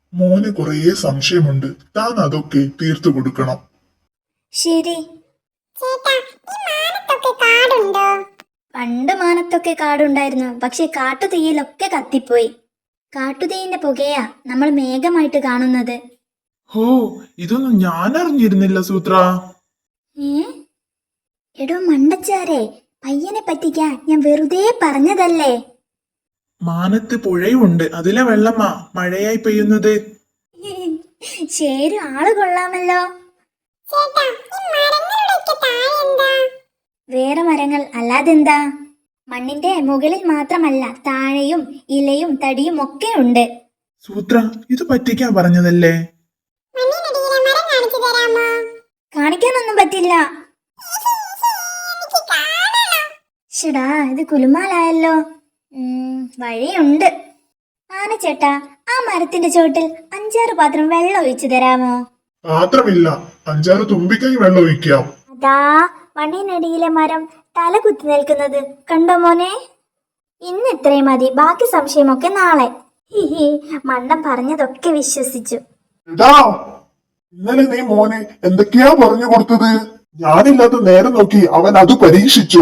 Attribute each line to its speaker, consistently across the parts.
Speaker 1: മോന് കുറേ സംശയമുണ്ട്. താൻ അതൊക്കെ തീർത്തു കൊടുക്കണം.
Speaker 2: ശരി.
Speaker 3: ചേട്ടാ, ഈ മാനത്തൊക്കെ കാടുണ്ടോ?
Speaker 2: പണ്ട് മാനത്തൊക്കെ കാടുണ്ടായിരുന്നു, പക്ഷെ കാട്ടുതീയിലൊക്കെ കത്തിപ്പോയി. കാട്ടുതീയിന്റെ പുകയാ നമ്മൾ മേഘമായിട്ട് കാണുന്നത്.
Speaker 4: ഹോ, ഇതൊന്നും ഞാൻ അറിഞ്ഞിരുന്നില്ല സൂത്ര.
Speaker 2: ഏ എടോ മണ്ടച്ചാരെ, പയ്യനെ പറ്റിക്കാൻ ഞാൻ വെറുതെ പറഞ്ഞതല്ലേ.
Speaker 4: മാനത്ത് പുഴയുണ്ട്, അതിലെ വെള്ളമാ മഴയായി പെയ്യുന്നത്.
Speaker 2: ശരി, ആള് കൊള്ളാമല്ലോ.
Speaker 3: ചേട്ടാ, ഈ മരങ്ങളുടെയൊക്കെ താഴെ എന്താ?
Speaker 2: വേറെ മരങ്ങൾ അല്ലാതെന്താ? മണ്ണിന്റെ മുകളിൽ മാത്രമല്ല, താഴെയും ഇലയും തടിയും ഒക്കെ ഉണ്ട്.
Speaker 4: സൂത്ര, ഇത് പറ്റിക്കാൻ പറഞ്ഞതല്ലേ?
Speaker 3: മണ്ണിനടിയിലെ മരം കാണിച്ചു തരാമോ?
Speaker 2: കാണിക്കാനൊന്നും പറ്റില്ല.
Speaker 3: എനിക്ക് കാണണം.
Speaker 2: ഷടാ, ഇത് കുലുമാലായല്ലോ. വഴിയുണ്ട്. ആനച്ചേട്ടാ, ആ മരത്തിന്റെ ചോട്ടിൽ 5-6 പാത്രം വെള്ളം ഒഴിച്ചു തരാമോ?
Speaker 1: പാത്രമില്ല, 5-6 തുമ്പിക്കൈ വെള്ളം ഒഴിക്കാം.
Speaker 2: അതാ മണ്ണിനടിയിലെ മരം തല കുത്തി നിൽക്കുന്നത് കണ്ടോ മോനെ? ഇന്ന് ഇത്രയും മതി, ബാക്കി സംശയമൊക്കെ നാളെ. ഹിഹി, മണ്ടൻ പറഞ്ഞതൊക്കെ വിശ്വസിച്ചു.
Speaker 1: എടാ, ഇന്നലെ നീ മോനെ എന്തൊക്കെയാ പറഞ്ഞു കൊടുത്തത്? ഞാനില്ലാത്ത നേരം നോക്കി അവൻ അത് പരീക്ഷിച്ചു.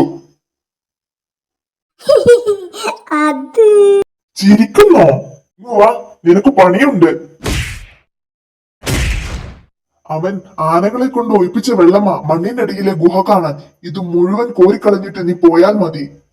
Speaker 2: അത്
Speaker 1: ചിരിക്കുന്നോ? ഇങ്ങ് വാ, നിനക്ക് പണിയുണ്ട്. അവൻ ആനകളെ കൊണ്ട് ഒഴിപ്പിച്ച വെള്ളമാ മണ്ണിനടിയിലെ ഗുഹ കാണാൻ. ഇത് മുഴുവൻ കോരിക്കളഞ്ഞിട്ട് നീ പോയാൽ മതി.